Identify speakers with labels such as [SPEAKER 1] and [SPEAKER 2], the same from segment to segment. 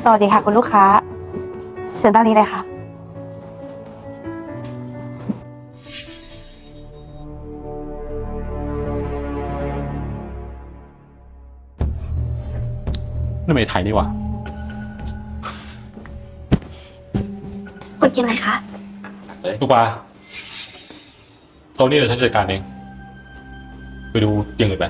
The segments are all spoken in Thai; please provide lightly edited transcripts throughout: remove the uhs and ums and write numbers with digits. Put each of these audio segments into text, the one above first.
[SPEAKER 1] วัสดีค่ะคุณลูกค้าเชิญด้านนี้เลยค่ะ
[SPEAKER 2] นั่นไม่ไทยนี่หว่า
[SPEAKER 1] คุณกินอะไรคะ
[SPEAKER 2] ลูกปลาโต๊ะนี้เดี๋ยวฉันจัดการเองไปดูอย่างอื่นไป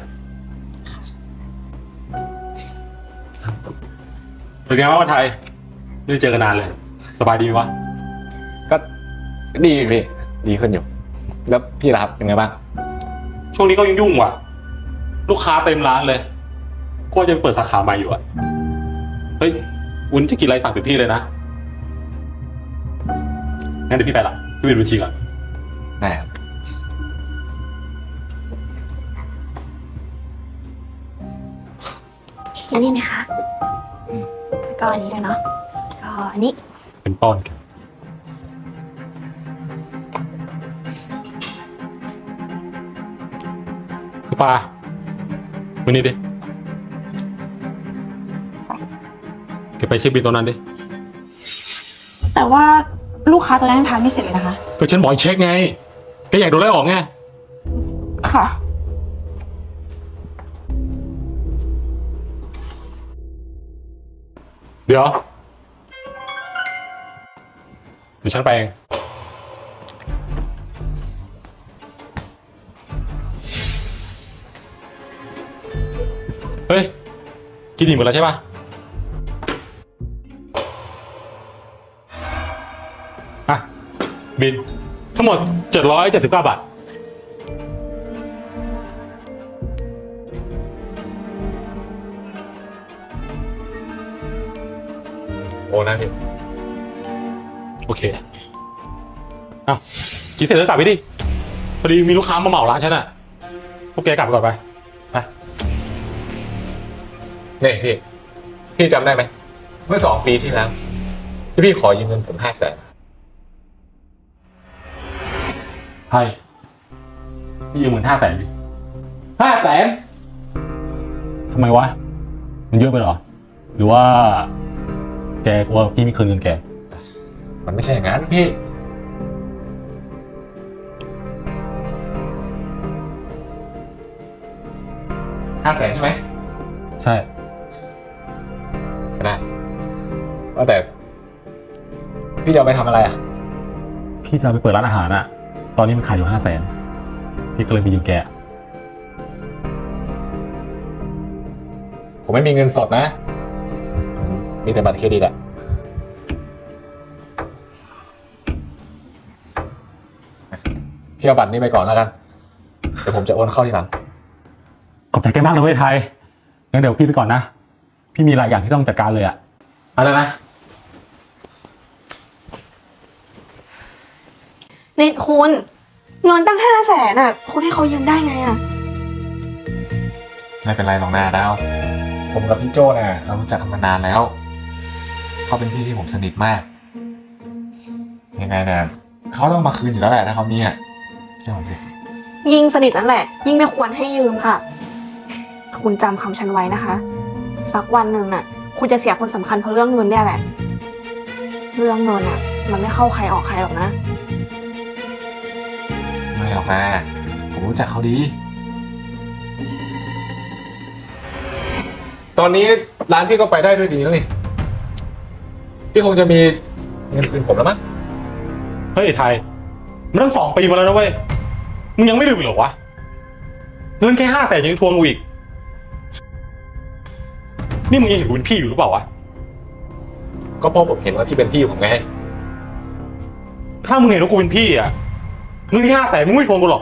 [SPEAKER 2] เป็นไงบ้างวันไทยไม่ได้เจอกันนานเลยสบายดีไหมวะ
[SPEAKER 3] ก็ดีพี่ดีขึ้นอยู่แล้วพี่ล่ะครับเป็นไงบ้าง
[SPEAKER 2] ช่วงนี้ก็ยุ่งๆว่ะลูกค้าเต็มร้านเลยก็จะไปเปิดสาขาใหม่อยู่อ่ะเฮ้ยวุ้นจะกินอะไรสั่งเต็มที่เลยนะงั้นเดี๋ยวพี่ไปละพี่ไปดูบัญชีก่อน
[SPEAKER 3] ได้ครับ
[SPEAKER 1] กินนี่นะคะแล้วก็อันนี้ด้วยเนาะก็อันนี้
[SPEAKER 2] เป็นป้อนกันลูกปลาวันนี้ดิแกไปเช็คบิลตัวนั้นดิ
[SPEAKER 1] แต่ว่าลูกค้าตัวนั้นยังทานไม่เสร็จเลยนะคะ
[SPEAKER 2] ก็ฉันบอกให้เช็คไงแกอยากโดนไล่ออกไง
[SPEAKER 1] ค่ะ
[SPEAKER 2] เดี๋ยวฉันไปเองเฮ้ยกินอิ่มหมดแล้วใช่ปะอ่ะบินทั้งหมด779 บาท
[SPEAKER 3] โอ้นะพี่
[SPEAKER 2] โอเคอ้าวกินเสร็จแล้วกลับไปดิพอดีมีลูกค้ามาเหมาร้านฉันอ่ะพวกแกกลับก่อนไป
[SPEAKER 3] นี่พี่จำได้ไหมเมื่อ2 ปีที่แล้วที่พี่ขอยืมเงินผม500,000
[SPEAKER 2] ใช่พี่ยืมเงิน500,000ดิ500,000ทำไมวะมันเยอะไปเหรอหรือว่าแกกลัวพี่ไม่คืนเงินแก
[SPEAKER 3] มันไม่ใช่อย่างนั้นพี่500,000ใช่ไหม
[SPEAKER 2] ใช่
[SPEAKER 3] ได้ว่าแต่พี่จะเอาไปทำอะไรอ่ะ
[SPEAKER 2] พี่จะเอาไปเปิดร้านอาหารอ่ะตอนนี้มันขายอยู่500,000พี่ก็เลยไปยืมแก
[SPEAKER 3] ผมไม่มีเงินสดนะมีแต่บัตรเครดิตอะพี่เอาบัตรนี้ไปก่อนแล้วกันเดี๋ยวผมจะโอนเข้าทีหลัง
[SPEAKER 2] ขอบใจแกมากเลยเว้ยไทยงั้นเดี๋ยวพี่ไปก่อนนะพี่มีหลายอย่างที่ต้องจัดการเลยอ่ะอะไรนะ
[SPEAKER 1] นี่คุณเงินตั้ง500,000อ่ะคุณให้เขายืมได้ไงอ่ะ
[SPEAKER 3] ไม่เป็นไรหรอกนะดาวผมกับพี่โจ้เนี่ยเรารู้จักกันมานานแล้วเขาเป็นพี่ที่ผมสนิทมากยังไงเนี่ยเขาต้องมาคืนอยู่แล้วแหละถ้าเขามีอ่ะเชื่อผมสิ
[SPEAKER 1] ยิ่งสนิทนั่นแหละยิ่งไม่ควรให้ยืมค่ะคุณจำคำฉันไว้นะคะสักวันหนึ่งน่ะคุณจะเสียคนสำคัญเพราะเรื่องเงินเนี่ยแหละเรื่องเงินอ่ะมันไม่เข้าใครออกใครหรอกนะ
[SPEAKER 3] ไม่หรอกนะผมรู้จักเขาดีตอนนี้ร้านพี่ก็ไปได้ด้วยดีแล้วนี่พี่คงจะมีเงินคืนผมแล้วมั้ง
[SPEAKER 2] เฮ้ยไทยมันตั้ง2 ปีมาแล้วนะเว้ยมึงยังไม่ลืมอีกเหรอวะเงินแค่500,000ยังทวงกูอีกนี่มึงยังเห็นกูเป็นพี่อยู่หรือเปล่าวะ
[SPEAKER 3] ก็เพราะผมเห็นว่าพี่เป็นพี่ผมไง
[SPEAKER 2] ถ้ามึงเห็นว่ากูเป็นพี่อ่ะเงินที่500,000มึงไม่ทวงกูหรอก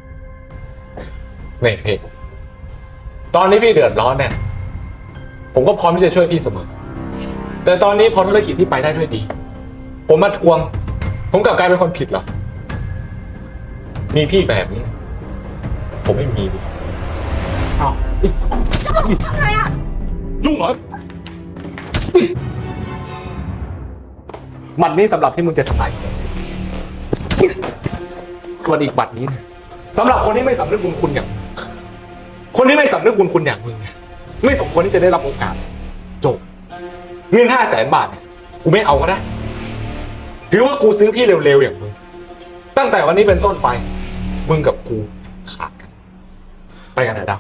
[SPEAKER 3] นี่พี่ตอนนี้พี่เดือดร้อนเนี่ยผมก็พร้อมที่จะช่วยพี่เสมอแต่ตอนนี้พอธุรกิจพี่ไปได้ด้วยดีผมมาทวงผมกลับกลายเป็นคนผิดเหรอมีพี่แบบนี้ผมไม่มี
[SPEAKER 2] อ้าว
[SPEAKER 1] ทำไงอ่ะ
[SPEAKER 2] ยุ่งเหรอ
[SPEAKER 3] บัตรนี้สำหรับที่มึงจะทำลายส่วนอีกบัตรนี้สำหรับคนที่ไม่สำนึกบุญคุณอย่างคนที่ไม่สำนึกบุญคุณอย่างมึงไม่สมควรที่จะได้รับโอกาสจบเงิน500,000 บาทเนี่ยกูไม่เอาก็ได้ถือว่ากูซื้อพี่เร็วๆอย่างมึงตั้งแต่วันนี้เป็นต้นไปมึงกับกูขาดกันไปกันนะดาว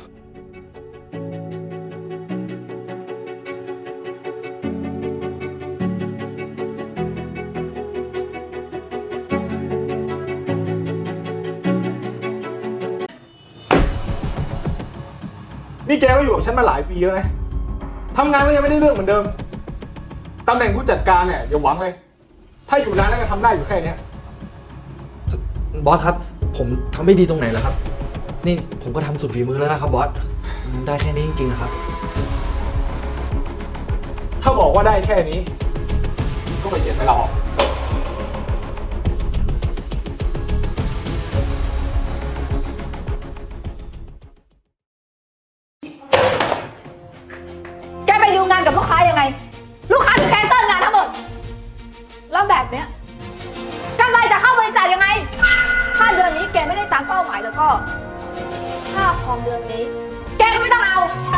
[SPEAKER 3] นี่แกก็อยู่กับฉันมาหลายปีแล้วนะทำงานก็ยังไม่ได้เรื่องเหมือนเดิมตำแหน่งผู้จัดการเนี่ยอย่าหวังเลยถ้าอยู่นานแล้วก็ทำได้อยู่แค่เนี้ย
[SPEAKER 4] บอสครับผมทำไม่ดีตรงไหนแล้วครับนี่ผมก็ทำสุดฝีมือแล้วนะครับบอสมันได้แค่นี้จริงๆครับ
[SPEAKER 3] ถ้าบอกว่าได้แค่นี้ก็ไปเขียนไปลาออก
[SPEAKER 5] แกไปดีลงานกับลูกค้ายังไง ลูกค้าถึงแคนเซิลงานทั้งหมด แล้วแบบเนี้ยกำไรจะเข้าบริษัทยังไง ถ้าเดือนนี้แกไม่ได้ตามเป้าหมายแล้วก็ค่าคอมเดือนนี้ แกก็ไม่ต้องเอา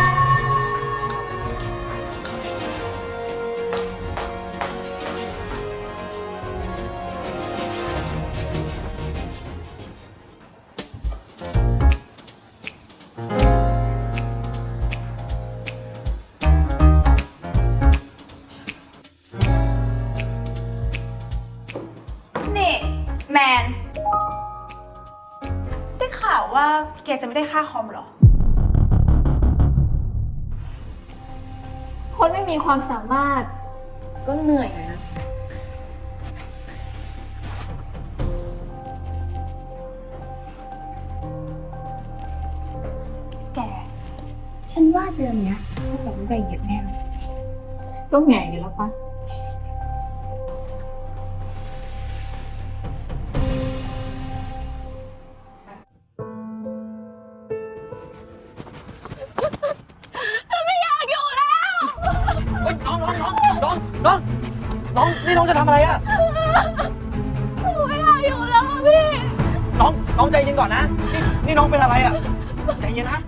[SPEAKER 6] นี่แมน ได้ข่าวว่าแกจะไม่ได้ค่าคอมเหรอ
[SPEAKER 1] คนไม่มีความสามารถก็เหนื่อยนะ
[SPEAKER 6] แก ฉันว่าเดือนเนี้ยพวกเราได้เยอะแน่เลย
[SPEAKER 1] ก็แง่อยู่แล้วปะ
[SPEAKER 4] เฮ้ยน้องนี่น้องจะทำอะไรอะหนูไม่อยากอยู่แล้วพี่น้องใจเย็นก่อนนะนี่น้องเป็นอะไรอะใจเย็นนะ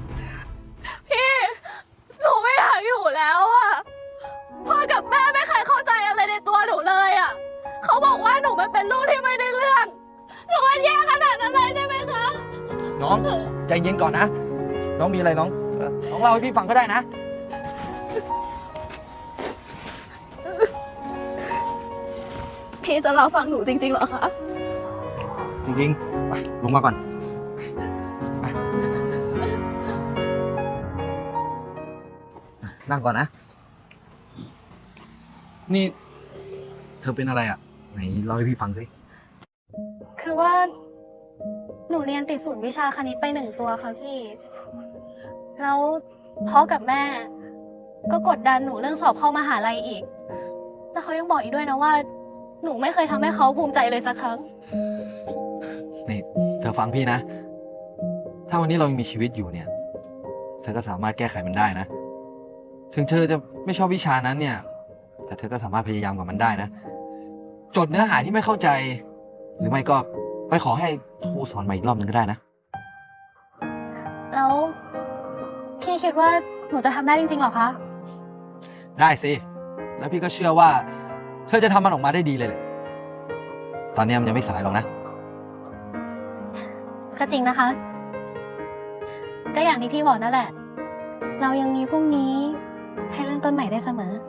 [SPEAKER 7] หนูไม่อยากอยู่แล้วอะพ่อกับแม่ไม่เคยเข้าใจอะไรในตัวหนูเลยอะเขาบอกว่าหนูมันเป็นลูกที่ไม่ได้เรื่องหนูมันแย่ขนาดนั้นเลยใช่ไหมคะ
[SPEAKER 4] น้องใจเย็นก่อนนะน้องมีอะไรน้องเล่าให้พี่ฟังก็ได้นะ
[SPEAKER 7] พี่จะรอฟังหนูจริงๆเหรอคะ
[SPEAKER 4] จริงๆไปลงมาก่อนไปนั่งก่อนนะ นี่ เธอเป็นอะไรอ่ะ ไหนเล่าให้พี่ฟังสิ
[SPEAKER 7] คือว่าหนูเรียนติดศูนย์วิชาคณิตไป1 ตัวค่ะพี่ แล้วพ่อกับแม่ ก็กดดันหนูเรื่องสอบเข้ามหาลัยอีก แล้วเขายังบอกอีกด้วยนะว่า หนูไม่เคยทำให้เขาภูมิใจเลยสักครั้ง
[SPEAKER 4] นี่เธอฟังพี่นะ ถ้าวันนี้เรายังมีชีวิตอยู่เนี่ย เธอก็สามารถแก้ไขมันได้นะ ถึงเธอจะไม่ชอบวิชานั้นเนี่ย แต่เธอก็สามารถพยายามกับมันได้นะ จดเนื้อหาที่ไม่เข้าใจ หรือไม่ก็ไปขอให้ครูสอนใหม่อีกรอบนึงก็ได้นะ
[SPEAKER 7] แล้วพี่คิดว่าหนูจะทำได้จริงๆเหรอคะ
[SPEAKER 4] ได้สิ แล้วพี่ก็เชื่อว่า เธอจะทำมันออกมาได้ดีเลยแหละ ตอนนี้มันยังไม่สายหรอกนะ
[SPEAKER 7] ก็จริงนะคะ ก็อย่างที่พี่บอกนั่นแหละ เรายังมีพรุ่งนี้ให้เริ่มต้นใหม่ได้เสมอ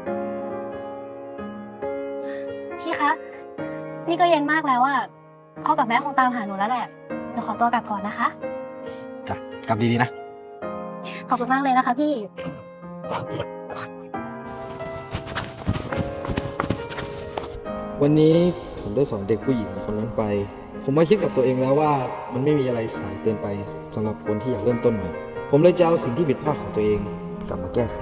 [SPEAKER 7] พี่คะ นี่ก็เย็นมากแล้วอะพ่อกับแม่คงตามหาหนูแล้วแหละเดี๋ยวขอตัวกลับก่อนนะคะ
[SPEAKER 4] จ้ะ กลับดีๆนะ
[SPEAKER 7] ขอบคุณมากเลยนะคะพี่
[SPEAKER 4] วันนี้ผมได้สอนเด็กผู้หญิงคนนั้นไป ผมมาคิดกับตัวเองแล้วว่ามันไม่มีอะไรสายเกินไปสำหรับคนที่อยากเริ่มต้นใหม่ ผมเลยจะเอาสิ่งที่ผิดพลาดของตัวเองกลับมาแก้ไข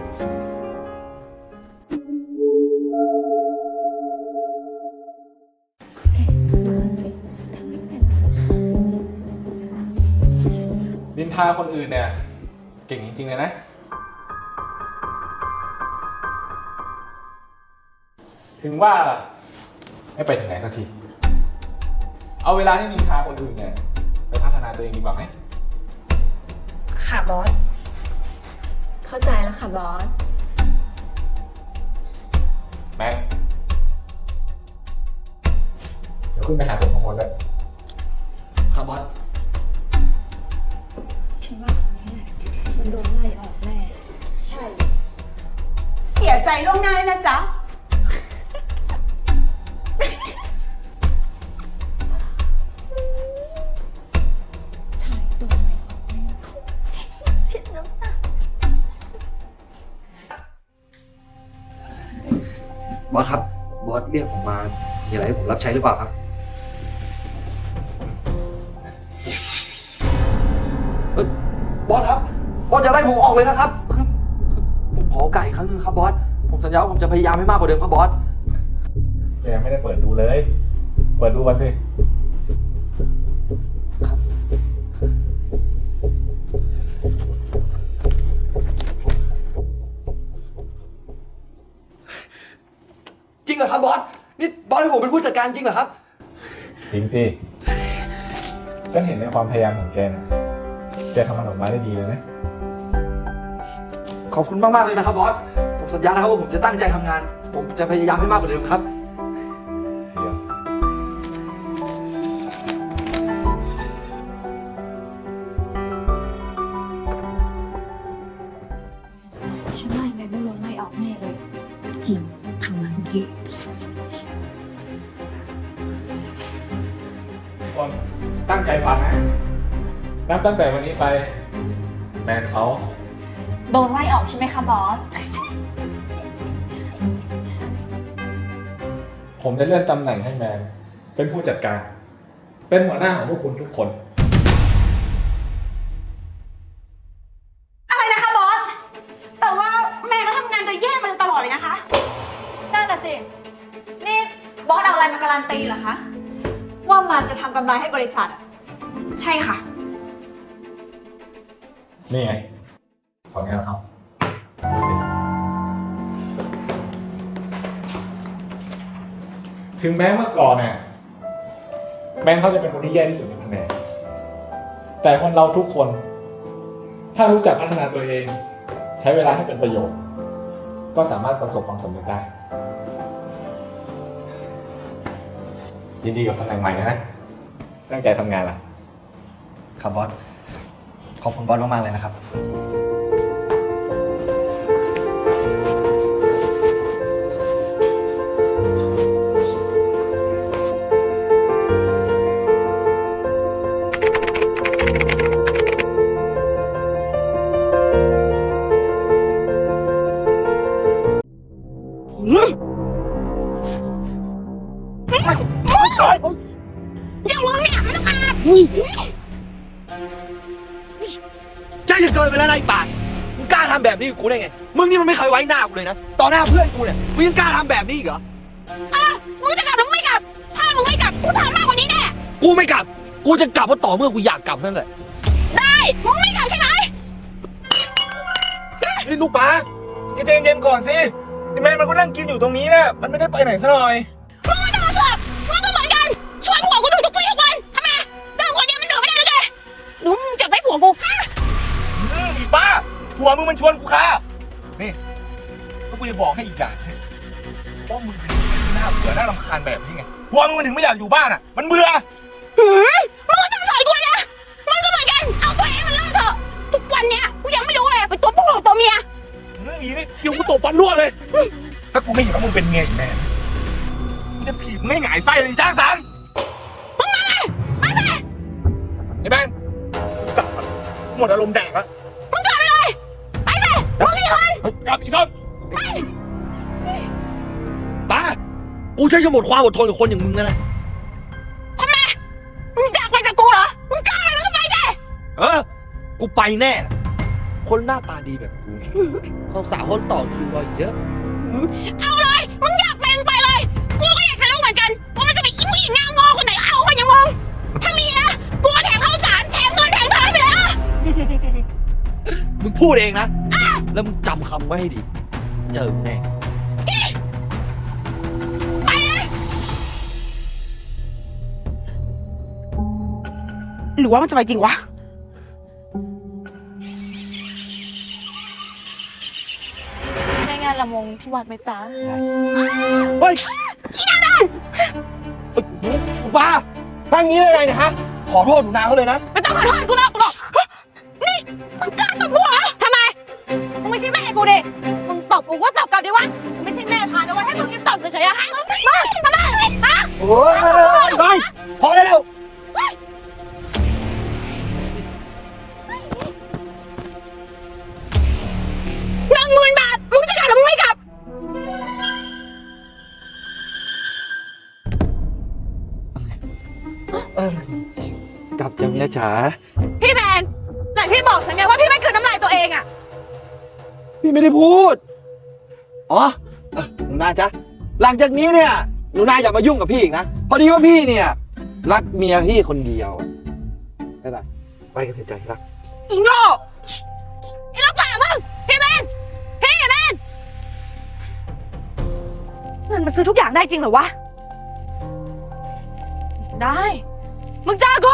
[SPEAKER 3] นินทาคนอื่นเนี่ย เก่งจริงๆเลยนะ ถึงว่าล่ะไม่ไปถึงไหนสักที เอาเวลาที่นินทาคนอื่นเนี่ยไปพัฒนาตัวเองดีกว่าไหม
[SPEAKER 6] ค่ะบอส
[SPEAKER 1] เข้าใจแล้วค่ะบอส
[SPEAKER 3] แม็กเดี๋ยวขึ้นไปหาผมข้างบนเลย
[SPEAKER 4] ครับบอส
[SPEAKER 5] ฉันว่าคนนี้แหละมันโดนไล่ออกแน่
[SPEAKER 6] ใช่ เสียใจล่วงหน้าด้วยนะจ๊ะ
[SPEAKER 5] ถ่ายตัวไว้ออกแน่ผิดน้ำตา
[SPEAKER 4] บอสครับ บอสเรียกผมมา มีอะไรให้ผมรับใช้หรือเปล่าครับบอสครับ บอสจะไล่ผมออกเลยนะครับคือผมขอโอกาสอีกครั้งหนึงครับบอส ผมสัญญาว่าผมจะพยายามให้มากกว่าเดิมครับบอส
[SPEAKER 3] แกยังไม่ได้เปิดดูเลย เปิดดูกันสิ
[SPEAKER 4] จริงเหรอครับบอส นี่บอสให้ผมเป็นผู้จัดการจริงเหรอครับ
[SPEAKER 3] จริงสิ ฉันเห็นในความพยายามของแกนะแกทำมันออกมาได้ดีเลยนะ
[SPEAKER 4] ขอบคุณมากๆเลยนะครับบอส ผมสัญญานะครับว่าผมจะตั้งใจทำงาน ผมจะพยายามให้มากกว่าเดิมครับ
[SPEAKER 3] เดี๋ยว
[SPEAKER 5] ฉันว่ายังไงไม่โดนไล่ออกแน่เลย
[SPEAKER 6] จริงทำงานเยอะ
[SPEAKER 3] ทุกคนตั้งใจฟังนะ นับตั้งแต่วันนี้ไป แมนเขา
[SPEAKER 5] โดนไล่ออกใช่ไหมคะบอส
[SPEAKER 3] ผมจะเลื่อนตำแหน่งให้แมน เป็นผู้จัดการ เป็นหัวหน้าของพวกคุณทุกคน
[SPEAKER 6] อะไรนะคะบอส แต่ว่าแม่ก็ทำงานโดยแย่มาตลอดเลยนะคะ
[SPEAKER 5] นั่นน่ะสิ นี่บอสเอาอะไรมาการันตีเหรอคะ ว่ามันจะทำกำไรให้บริษัทอะ
[SPEAKER 6] ใช่ค่ะ
[SPEAKER 3] นี่ไงผลงานเขาดูสิ ถึงแม้เมื่อก่อนเนี่ยแมนเขาจะเป็นคนที่แย่ที่สุดในแผนกแต่คนเราทุกคน ถ้ารู้จักพัฒนาตัวเอง ใช้เวลาให้เป็นประโยชน์ ก็สามารถประสบความสำเร็จได้ ยินดีกับตำแหน่งใหม่นะ ตั้งใจทำงานล่ะ
[SPEAKER 4] ครับบอส ขอบคุณบอสมากๆเลยนะครับ
[SPEAKER 8] ใจจะเกินไปแล้วนะไอ้ปากมึงกล้าทำแบบนี้กับกูได้ไง มึงนี่มันไม่เคยไว้หน้ากูเลยนะ ต่อหน้าเพื่อนกูเนี่ย มึงยังกล้าทำแบบนี้อีกเหรอ
[SPEAKER 6] มึงจะกลับหรือไม่กลับ ถ้ามึงไม่กลับ กูทำมากกว่านี้แน่
[SPEAKER 8] กูไม่กลับ กูจะกลับเพราะต่อเมื่อกูอยากกลับนั่นแหละ
[SPEAKER 6] ได้ มึงไม่กลับใช่ไหม
[SPEAKER 8] นี่ลูกป้าใจเย็นๆก่อนสิแม่มันก็นั่งกินอยู่ตรงนี้นะมันไม่ได้ไปไหนซะหน่อย
[SPEAKER 6] มึงไม่ต้องมาเสือกมึงก็เหมือนกัน ช่วยผัวกูดูทุกวี่ทุกวันทำไมเรื่องคนเดียวมันดื่มไม่ได้หรือไงหนูมึงจะไปผัวกูฮะ
[SPEAKER 8] อีป้าผัวมึงมันชวนกูค่ะนี่ก็กูจะบอกให้อีกอย่างเพราะมึงเป็นคนที่น่าเบื่อน่ารำคาญแบบนี้ไงผัวมึงมันถึงไม่อยากอยู่บ้านอ่ะ มันเบื่อ
[SPEAKER 6] มึงไม่ต้องสอนกูเลยนะมึงก็เหมือนกัน เอาตัวเองมันเลิกเถอะ ทุกวันเนี้ยกูยังไม่รู้เลยเป็นตัวผู้หรือตัวเมีย
[SPEAKER 8] นี่นี่เดี๋ยวกูตบฟันรั่วเลย ถ้ากูไม่เห็นว่ามึงเป็นเมียอีกแม่กูจะถีบมึงให้หงายไส้เลยจ้างสัง
[SPEAKER 6] มึงมาเลย มาสิ
[SPEAKER 8] ไอ้แบงค์กลับก่อนหมดอารมณ์แดกแล้ว
[SPEAKER 6] มึงกลับไปเลย ไปสิมึงสี่คน
[SPEAKER 8] กลับอีกส้นป้ากูใช้จะหมดความอดทนกับคนอย่างมึงแล้วนะ
[SPEAKER 6] ทำไม มึงอยากไปจากกูเหรอ มึงกล้าอะไรมึงก็ไปสิ
[SPEAKER 8] กูไปแน่นะคนหน้าตาดีแบบกูสาวๆคนต่อคิวรอเยอะ
[SPEAKER 6] เอาเลย มึงอยากไปมึงไปเลย กูก็อยากจะรู้เหมือนกันว่ามันจะมีอีผู้หญิงหน้างอคนไหนเอาคนอย่างมึง ถ้ามีนะ กูก็แถมข้าวสารแถมเงินแถมทองไปเลยอ่ะ
[SPEAKER 8] มึงพูดเองนะ แล้วมึงจำคำไว้ให้ดี เจอแน่
[SPEAKER 6] ไปเลย หรือว่ามันจะไปจริงวะ
[SPEAKER 5] ยังไง
[SPEAKER 7] ละมงที่วัดไหมจ๊ะ
[SPEAKER 8] เฮ้ยอีนาดันป้าทำอย่างนี้ได้ไงเนี่ยฮะ ขอโทษหนูนาเขาเลยนะ
[SPEAKER 6] ไม่ต้องขอโทษกูหรอกนี่มึงกล้าตบกูเหรอทำไม มึงไม่ใช่แม่กูดิ มึงตบกูก็ตบกลับดิวะมึงไม่ใช่แม่พานะวะให้มึงยังตบเฉยๆอะฮะมึงทำไมฮะ
[SPEAKER 8] โอ้ยไปพอได้แล้ว
[SPEAKER 6] 10,000 บาท มึงจะกลับหรือมึงไม่กลับ
[SPEAKER 4] กลับจ้ะเมียจ๋า
[SPEAKER 6] พี่แมนไหนพี่บอกฉันไงว่าพี่ไม่กลืนน้ำลายตัวเองอะ
[SPEAKER 8] พี่ไม่ได้พูด อ๋อหนูนาจ๊ะ หลังจากนี้เนี่ยหนูนาอย่ามายุ่งกับพี่อีกนะ พอดีว่าพี่เนี่ย รักเมียพี่คนเดียวไปไปไปกันเถอะใจรัก
[SPEAKER 6] อีโง่ไอ้ลูกป่ามึง พี่แมนเงินมันซื้อทุกอย่างได้จริงเหรอวะ ได้ มึงเจอกู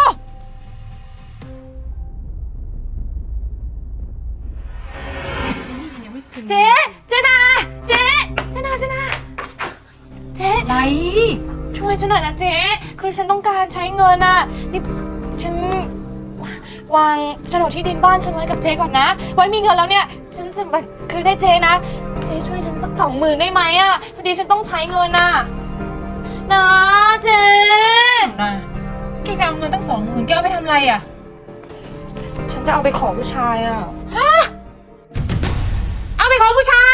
[SPEAKER 6] เจ๊นาเจ๊อะไร ช่วยฉันหน่อยนะเจ๊ คือฉันต้องการใช้เงินอะนี่ฉันวางโฉนดที่ดินบ้านฉันไว้กับเจ๊ก่อนนะ ไว้มีเงินแล้วเนี่ย ฉันจะมาคืนให้เจ๊นะ เจ๊ช่วยฉันสัก20,000ได้ไหมอะพอดีฉันต้องใช้เงินอะนะเจ๊
[SPEAKER 5] นะแกจะเอาเงินตั้ง20,000แกเอาไปทำอะไรอ่ะ
[SPEAKER 6] ฉันจะเอาไปขอผู้ชายอะ
[SPEAKER 5] เอาไปขอผู้ชาย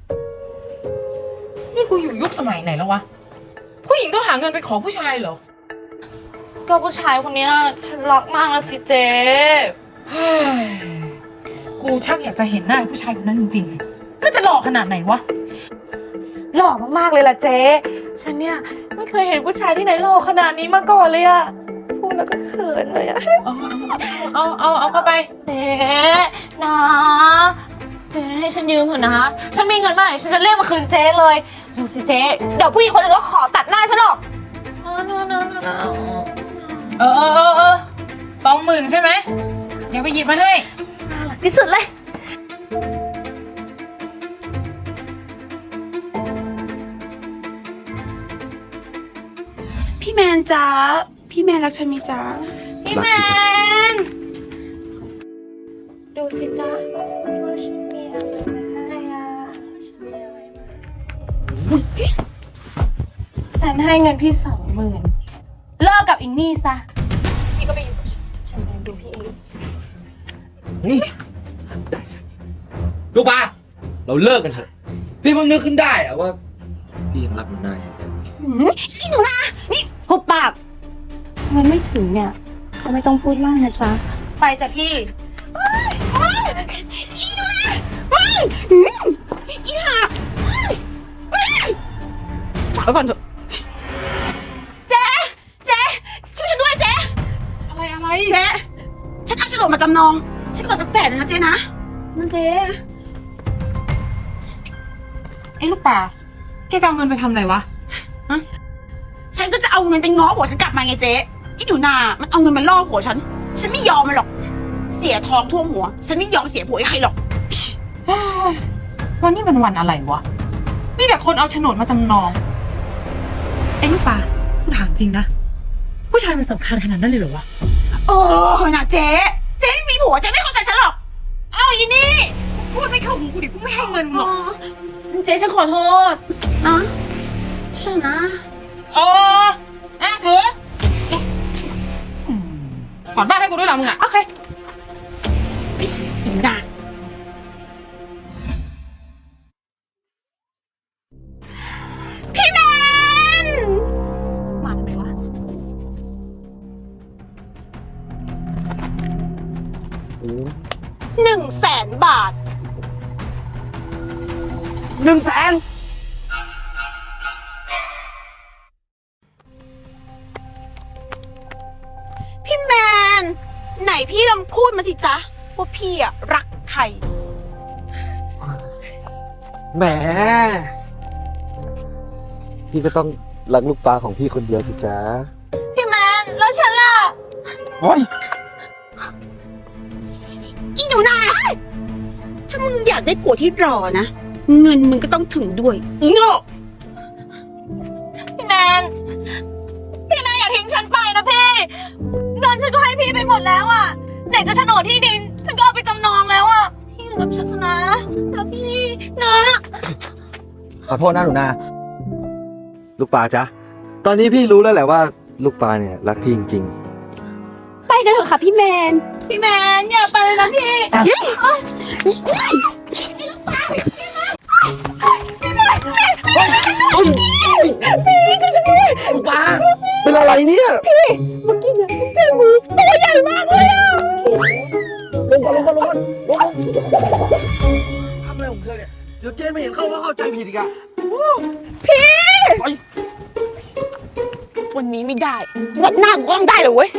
[SPEAKER 5] นี่กูอยู่ยุคสมัยไหนแล้ววะ ผู้หญิงต้องหาเงินไปขอผู้ชายเหรอ
[SPEAKER 6] ก็ผู้ชายคนเนี้ยฉันรักมากแล้วสิเจ๊
[SPEAKER 5] เฮ้ยกูชักอยากจะเห็นหน้าผู้ชายคนนั้นจริงๆมันจะหล่อขนาดไหนวะ
[SPEAKER 6] หล่อมากๆเลยล่ะเจ๊ ฉันเนี่ยไม่เคยเห็นผู้ชายที่ไหนหล่อขนาดนี้มาก่อนเลยอะพูดแล้วก็เขินเลยอะ
[SPEAKER 5] เอาเข้าไป
[SPEAKER 6] เจ๊นะเจ๊ให้ฉันยืมเถอะนะ ฉันมีเงินเมื่อไหร่ฉันจะเรียกมาคืนเจ๊เลยเร็วสิเจ๊ เดี๋ยวผู้หญิงคนนึงก็ขอตัดหน้าฉันหรอกนะ
[SPEAKER 5] 20,000ใช่ไหมเดี๋ยวไปหยิบมาให้
[SPEAKER 6] น่ารักที่สุดเลย
[SPEAKER 9] พี่แมนจ้าพี่แมนรักฉันไหมจ้า
[SPEAKER 6] พี่แมน ดูสิจ๊ะว่าฉันมีอะไรมาให้อะฉันมีอะไรมาฉันให้เงินพี่20,000เลิกกับอินนี่ซะ พี่ก็ไปอยู่กับฉันเองดูพี่เอง
[SPEAKER 8] นี่ได้จ้ะลูกปลาเราเลิกกันเถอะ พี่เพิ่งนึกขึ้นได้อะว่า พี่ยังรักหนูนาอยู่
[SPEAKER 6] อีหนูนะนี่หุบปากเงินไม่ถึงเนี่ยก็ไม่ต้องพูดมากนะจ๊ะ ไปจ้ะพี่อีหนูนะอีห่าฝากไว้ก่อนเถอะเจ๊ช่วยฉันด้วยเจ๊
[SPEAKER 5] อะไร
[SPEAKER 9] เจ๊ฉันเอาโฉนดมาจำนองฉันขอสัก100,000นะเจ๊นะ
[SPEAKER 6] นั่นเจ๊
[SPEAKER 5] ไอ้ลูกป่าแกจะเอาเงินไปทำอะไรวะ
[SPEAKER 9] ฉันก็จะเอาเงินไปง้อผัวฉันกลับมาไงเจ๊อีหนูนามันเอาเงินมาล่อผัวฉันไม่ยอมมันหรอก เสียทองท่วมหัว ฉันไม่ยอมเสียผัวให้ใครหรอก
[SPEAKER 5] วันนี้มันวันอะไรวะ มีแต่คนเอาโฉนดมาจำนอง ไอ้ลูกป่ากูถามจริงนะ ผู้ชายมันสำคัญขนาดนั้นเลยเหรอวะ
[SPEAKER 9] โอ้ยนะเจ๊ไม่มีผัวเจ๊ไม่เข้าใจฉันหรอก
[SPEAKER 5] เอาอีนี่ พูดไม่เข้าหูกูดิกูไม่ให้เงินหรอก
[SPEAKER 9] เจ๊ฉันขอโทษนะช่วยฉันนะ
[SPEAKER 5] ถือก่อนบ้านให้กูด้วยล่ะมึงอ่ะ
[SPEAKER 9] โอเคอีนาพี่แมน
[SPEAKER 5] มาทำไมวะ
[SPEAKER 9] 100,000 บาท
[SPEAKER 8] 100,000
[SPEAKER 9] พี่แมน ไหนพี่ลองพูดมาสิจ๊ะว่าพี่อะรักใคร
[SPEAKER 8] แหม พี่ก็ต้องรักลูกปลาของพี่คนเดียวสิจ๊ะ
[SPEAKER 9] พี่แมน แล้วฉันล่ะ
[SPEAKER 8] โอ้ย
[SPEAKER 9] อีหนูนาถ้ามึงอยากได้ผัวที่รอนะเงินมึงก็ต้องถึงด้วยอีโง่
[SPEAKER 6] พี่แมนอย่าทิ้งฉันไปนะพี่ เงินฉันก็ให้พี่ไปหมดแล้วอะไหนจะโฉนดที่ดิน ฉันก็เอาไปจำนองแล้วอะพี่อยู่กับฉันนะพี่นะ
[SPEAKER 8] ขอโทษนะหนูนา ลูกปลาจ๊ะ ตอนนี้พี่รู้แล้วแหละว่าลูกปลาเนี่ยรักพี่จริง
[SPEAKER 9] ไปกันเถอะค่ะพี่แมน
[SPEAKER 6] พี่แมนอย่าไปเลยนะพี่
[SPEAKER 8] ลูกปลาเป็นอะไรเนี่ยพี่เมื่อกี้เนี่ยเจองูตัวใหญ่มากเลยอะลงก่อนทำอะไรของเธอเนี่ย เดี๋ยวเจนไม่เห็นเขาก็เข้าใจผิดอีกอะพี่ไป
[SPEAKER 9] วันนี้ไม่ได้ วันหน้ากูก็ต้องได้เลยเว้ย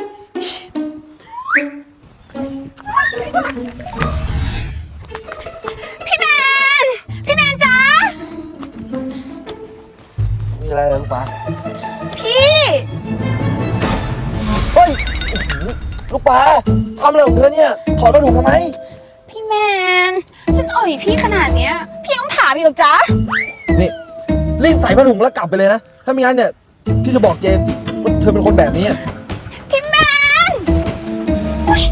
[SPEAKER 9] พี่แมนจ๊ะ
[SPEAKER 8] มีอะไรเหรอลูกปลา
[SPEAKER 9] พี่
[SPEAKER 8] เฮ้ยลูกปลาทำอะไรของเธอเนี่ย ถอดผ้าถุงทำไม
[SPEAKER 9] พี่แมน ฉันอ่อยพี่ขนาดเนี้ย พี่ต้องถามอีกหรอจ๊ะ
[SPEAKER 8] นี่รีบใส่ผ้าถุงแล้วกลับไปเลยนะ ถ้าไม่งั้นเนี่ย พี่จะบอกเจมว่าเธอเป็นคนแบบนี้อะ
[SPEAKER 9] พี่แมนเฮ้ย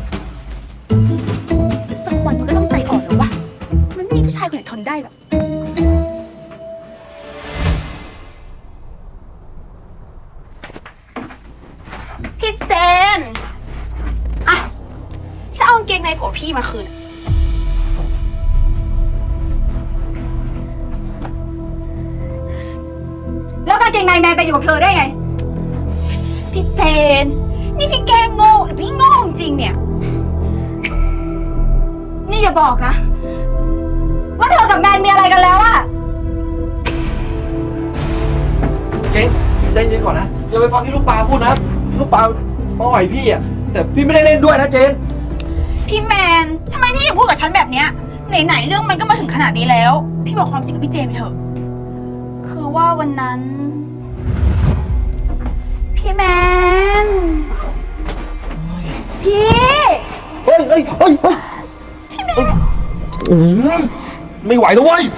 [SPEAKER 9] สักวันมันก็ต้องใจอ่อนแล้ววะ มันไม่มีผู้ชายคนไหนทนได้หรอก พี่เจน อ่ะฉันเอากางเกงในผัวพี่มาคืน
[SPEAKER 5] แล้วกางเกงในแมนไปอยู่กับเธอได้ไง
[SPEAKER 9] พี่เจน นี่พี่แกล้งโง่หรือพี่โง่จริงเนี่ย
[SPEAKER 5] นี่อย่าบอกนะ ว่าเธอกับแมนมีอะไรกันแล้วอะ
[SPEAKER 8] เจนใจเย็นก่อนนะ อย่าไปฟังที่ลูกปลาพูดนะ ลูกปลาอ่อยพี่อะแต่พี่ไม่ได้เล่นด้วยนะเจน
[SPEAKER 9] พี่แมน ทำไมพี่ถึงพูดกับฉันแบบเนี้ย ไหนๆเรื่องมันก็มาถึงขนาดนี้แล้ว พี่บอกความจริงกับพี่เจนไปเถอะ คือว่าวันนั้น พี่แมน พี่
[SPEAKER 8] เฮ้ยไม่ไหวแล้วเว้ย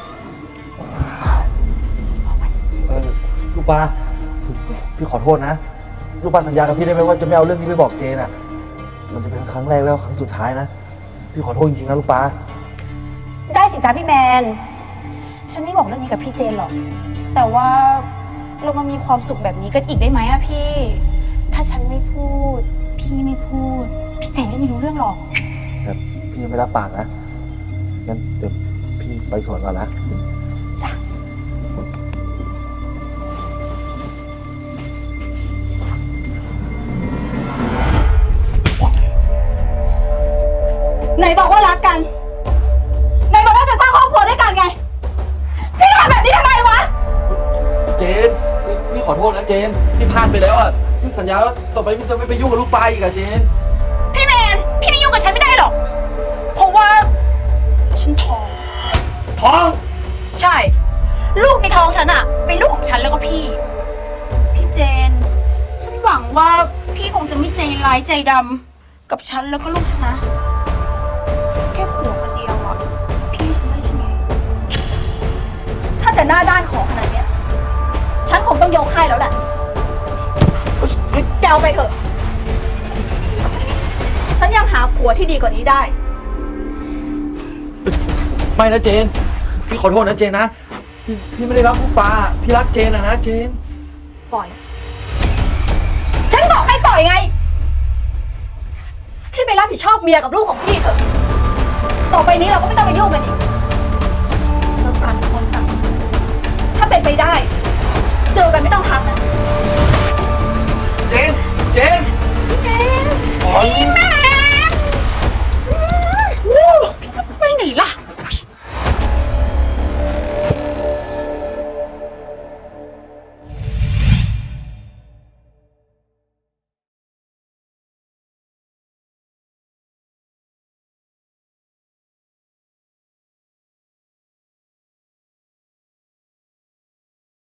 [SPEAKER 8] ลูกปลาพี่ขอโทษนะ ลูกปลาสัญญากับพี่ได้ไหมว่าจะไม่เอาเรื่องนี้ไปบอกเจนอ่ะ มันจะเป็นครั้งแรกแล้วครั้งสุดท้ายนะ พี่ขอโทษจริงๆนะลูกปลา
[SPEAKER 5] ได้สิจ้าพี่แมน ฉันไม่บอกเรื่องนี้กับพี่เจนหรอก แต่ว่าเรามามีความสุขแบบนี้กันอีกได้ไหมอะพี่ ถ้าฉันไม่พูด พี่ไม่พูด พี่เจนก็ไม่รู้เรื่องหรอก
[SPEAKER 8] แต่พี่ยังไม่รับปากนะ งั้นเดี๋ยวพี่ไปสวนก่อนนะ
[SPEAKER 5] ไหนบอกว่ารักกัน ไหนบอกว่าจะสร้างครอบครัวด้วยกันไง พี่ทำแบบนี้ทำไมวะ
[SPEAKER 8] เจน พี่ขอโทษนะเจน พี่พลาดไปแล้วอ่ะ พี่สัญญาว่าต่อไปพี่จะไม่ไปยุ่งกับลูกปลาอีกอะเจน
[SPEAKER 9] พี่แมน พี่ไม่ยุ่งกับฉันไม่ได้หรอก เพราะว่า ฉันท้อง
[SPEAKER 8] ท้อง
[SPEAKER 9] ใช่ ลูกในท้องฉันอะเป็นลูกของฉันแล้วก็พี่ พี่เจน ฉันหวังว่าพี่คงจะไม่ใจร้ายใจดำกับฉันแล้วก็ลูกฉันนะ แค่ผัวคนเดียวอะพี่ฉันได้ใช่ไหม
[SPEAKER 5] ถ้าจะหน้าด้านของขนาดเนี้ย ฉันคงต้องยกให้แล้วแหละแกเอาไปเถอะ ฉันยังหาผัวที่ดีกว่านี้ได้
[SPEAKER 8] ไม่นะเจน พี่ขอโทษนะเจนนะ พี่ไม่ได้รักลูกปลา พี่รักเจนนะเจน
[SPEAKER 5] ปล่อย ฉันบอกให้ปล่อยไง พี่ไปรับผิดชอบเมียกับลูกของพี่เถอะ ต่อไปนี้เราก็ไม่ต้องมายุ่งกันอีกเราต่างคนต่างถ้าเป็นไปได้ เจอกันไม่ต้องทักนะ
[SPEAKER 8] เจน เจน